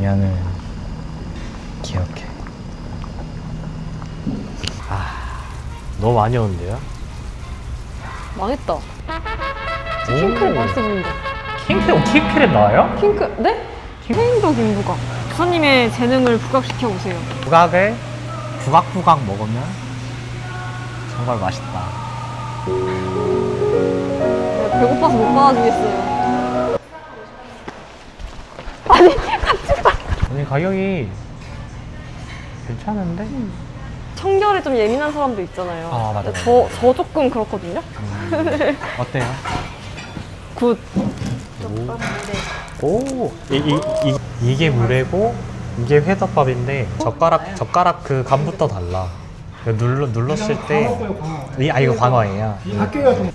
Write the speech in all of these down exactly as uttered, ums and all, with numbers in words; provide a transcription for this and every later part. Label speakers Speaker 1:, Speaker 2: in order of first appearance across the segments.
Speaker 1: 장면을 기억해. 아, 너무 많이 오는데요?
Speaker 2: 망했다. 킹크랩 맛있어 보인다.
Speaker 1: 킹크랩, 킹크랩 나와요?
Speaker 2: 킹크, 네? 해인도 김부각. 부사님의 재능을 부각시켜 보세요.
Speaker 1: 부각을 부각부각 먹으면 정말 맛있다.
Speaker 2: 네, 배고파서 못 받아주겠어요. 아니, 같이 가.
Speaker 1: 아니, 가격이 괜찮은데?
Speaker 2: 음. 청결에 좀 예민한 사람도 있잖아요.
Speaker 1: 아, 맞아요.
Speaker 2: 저, 저 조금 그렇거든요.
Speaker 1: 음, 어때요?
Speaker 2: 굿.
Speaker 1: 오, 오, 이, 이, 이, 이게 물회고 이게 회덮밥인데 젓가락 젓가락 그 감부터 달라. 이거 눌러 눌렀을 때,
Speaker 3: 광어고요, 광어.
Speaker 1: 이, 아 이거 광어예요.
Speaker 3: 이 학교가 좀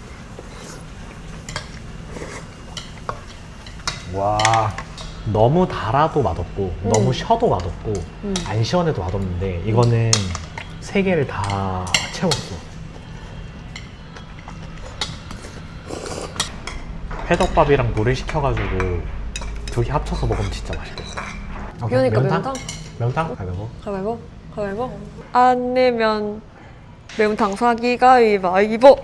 Speaker 1: 와, 너무 달아도 맛없고
Speaker 2: 음.
Speaker 1: 너무 셔도 맛없고
Speaker 2: 음.
Speaker 1: 안 시원해도 맛없는데 이거는 세 개를 다 채웠어. 회덮밥이랑 물을 시켜가지고 두 개 합쳐서 먹으면 진짜 맛있겠어.
Speaker 2: 그러니까 매운탕?
Speaker 1: 매운탕? 가위바위보?
Speaker 2: 가위바위보? 가위바위보? 안 내면 매운탕 사기 가위바위보.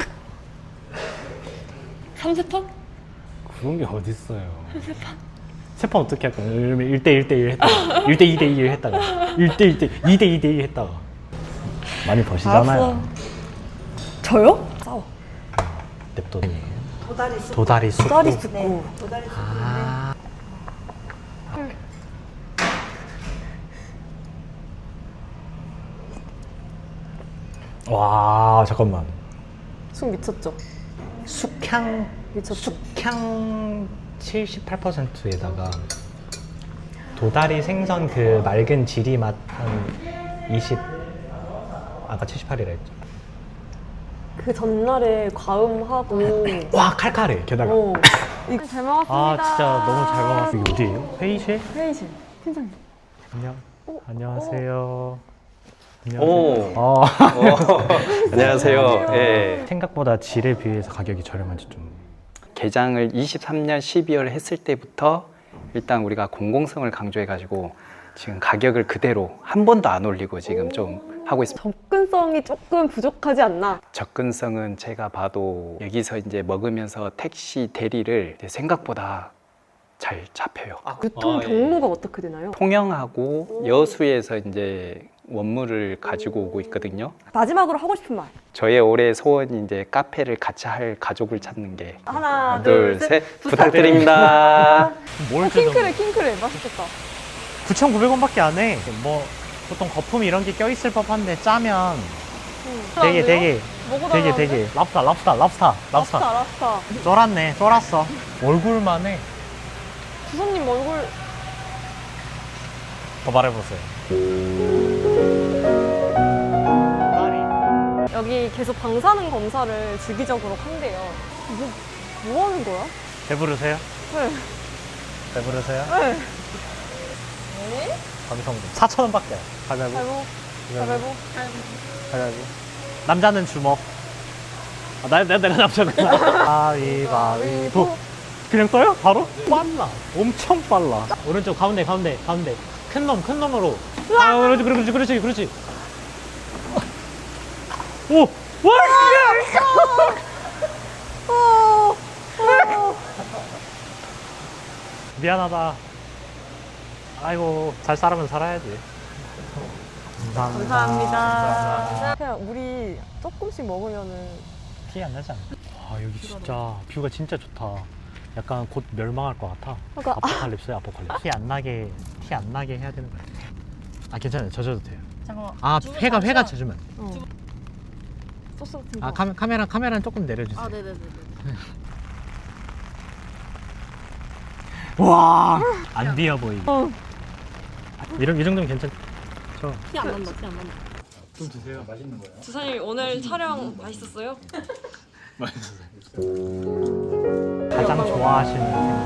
Speaker 2: 삼세판?
Speaker 1: 그런 게 어딨어요. 세 판 어떻게 할까? 일 대 일 대 일 했다가 일 대 이 대 일 했다가 일 대 일 대 이 대 이 대 일 했다가 많이 버시잖아요.
Speaker 2: 알았어. 저요? 싸워.
Speaker 1: 냅둬. 도다리 쑥. 도다리 쑥.
Speaker 2: 도다리 쑥고.
Speaker 1: 아. 와, 잠깐만.
Speaker 2: 쑥 미쳤죠?
Speaker 1: 숙향
Speaker 2: 미쳤죠?
Speaker 1: 숙향 칠십팔 퍼센트에다가 도다리 생선 그 맑은 지리 맛 한 이십, 아까 칠십팔이라 했죠.
Speaker 2: 그 전날에 과음하고.
Speaker 1: 와, 칼칼해. 게다가.
Speaker 2: 어. 이거 잘 먹었습니다.
Speaker 1: 아, 진짜 너무 잘 먹었어. 이게 어디예요? 회의실?
Speaker 2: 회의실. 팀장님.
Speaker 1: 안녕.
Speaker 2: 어,
Speaker 1: 안녕하세요. 안녕하세요.
Speaker 4: 오.
Speaker 1: 어.
Speaker 4: 어, 안녕하세요. 예.
Speaker 1: 생각보다 질에 비해서 가격이 저렴한지 좀.
Speaker 4: 개장을 이십삼 년 십이월 했을 때부터 일단 우리가 공공성을 강조해가지고 지금 가격을 그대로 한 번도 안 올리고 지금 좀 하고 있습니다.
Speaker 2: 접근성이 조금 부족하지 않나?
Speaker 4: 접근성은 제가 봐도 여기서 이제 먹으면서 택시 대리를 이제 생각보다 잘 잡혀요.
Speaker 2: 유통 경로가 어떻게 되나요?
Speaker 4: 통영하고 여수에서 이제 원물을 가지고 오고 있거든요.
Speaker 2: 마지막으로 하고 싶은 말.
Speaker 4: 저의 올해 소원이 이제 카페를 같이 할 가족을 찾는 게
Speaker 2: 하나,
Speaker 4: 둘,
Speaker 2: 둘,
Speaker 4: 셋,
Speaker 2: 셋.
Speaker 4: 부탁드립니다.
Speaker 1: 뭘
Speaker 2: 킹크랩, 킹크랩. 맛있겠다.
Speaker 1: 구천구백 원밖에 안 해. 뭐 보통 거품 이런 게 껴있을 법한데 짜면
Speaker 2: 응.
Speaker 1: 되게 되게
Speaker 2: 뭐고
Speaker 1: 되게
Speaker 2: 나가는데?
Speaker 1: 되게 랍스타 랍스타 랍스타
Speaker 2: 랍스타,
Speaker 1: 랍스타
Speaker 2: 랍스타.
Speaker 1: 쫄았네 쫄았어. 얼굴만 해.
Speaker 2: 주선님 얼굴.
Speaker 1: 더 말해보세요.
Speaker 2: 여기 계속 방사능 검사를 주기적으로 한대요. 뭐, 뭐 하는 거야?
Speaker 1: 배부르세요?
Speaker 2: 네.
Speaker 1: 배부르세요?
Speaker 2: 네. 네?
Speaker 1: 감성도 사천 원밖에. 가위바위보.
Speaker 2: 가위바위보. 가위바위보.
Speaker 1: 가위바위보. 남자는 주먹. 아, 나, 나, 내가 남자구나. 가위바위보. 그냥 떠요? 바로? 빨라. 엄청 빨라. 오른쪽 가운데 가운데 가운데. 큰 놈 큰 놈으로. 아, 그렇지 그렇지 그렇지 그렇지. 오! 와!
Speaker 2: 어, 어.
Speaker 1: 미안하다. 아이고, 잘 살아면 살아야지. 감사합니다.
Speaker 2: 감사합니다. 그냥 우리 조금씩 먹으면은
Speaker 1: 티 안 나지 않나? 아, 여기 진짜 뷰가 진짜 좋다. 약간 곧 멸망할 것 같아.
Speaker 2: 그러니까
Speaker 1: 아포칼립스야, 아포칼립스. 티 안 나게, 티 안 나게 해야 되는 거 같아. 아, 괜찮아요. 젖어도 돼요.
Speaker 5: 잠깐만.
Speaker 1: 아, 회가, 회가 젖으면.
Speaker 2: 어. 소스 같은 거.
Speaker 1: 아, 카메, 카메라, 카메라는 조금 내려주세요.
Speaker 5: 아, 네네네.
Speaker 1: 와, 안 비어 보이게.
Speaker 2: 어.
Speaker 1: 이런, 이 정도면 괜찮죠?
Speaker 5: 티 안 난다, 티 안 난다.
Speaker 3: 좀 드세요. 맛있는 거예요.
Speaker 2: 주사님 오늘 촬영 맛있었어요?
Speaker 1: 가장 좋아하시는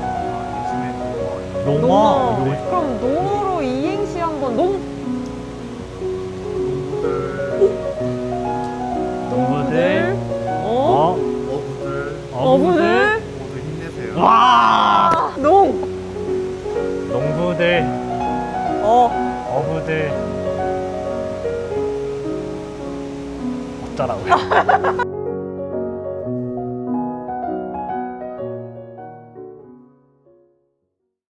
Speaker 1: 생선. 농어.
Speaker 2: 농어.
Speaker 1: 요거
Speaker 2: 그럼 농어로 이행시 한번 농.
Speaker 1: 농부들.
Speaker 2: 어?
Speaker 1: 어?
Speaker 3: 어부들
Speaker 2: 어부들.
Speaker 3: 모두 힘내세요.
Speaker 1: 와!
Speaker 2: 농.
Speaker 1: 농부들,
Speaker 2: 어.
Speaker 1: 어부들 어쩌라고요?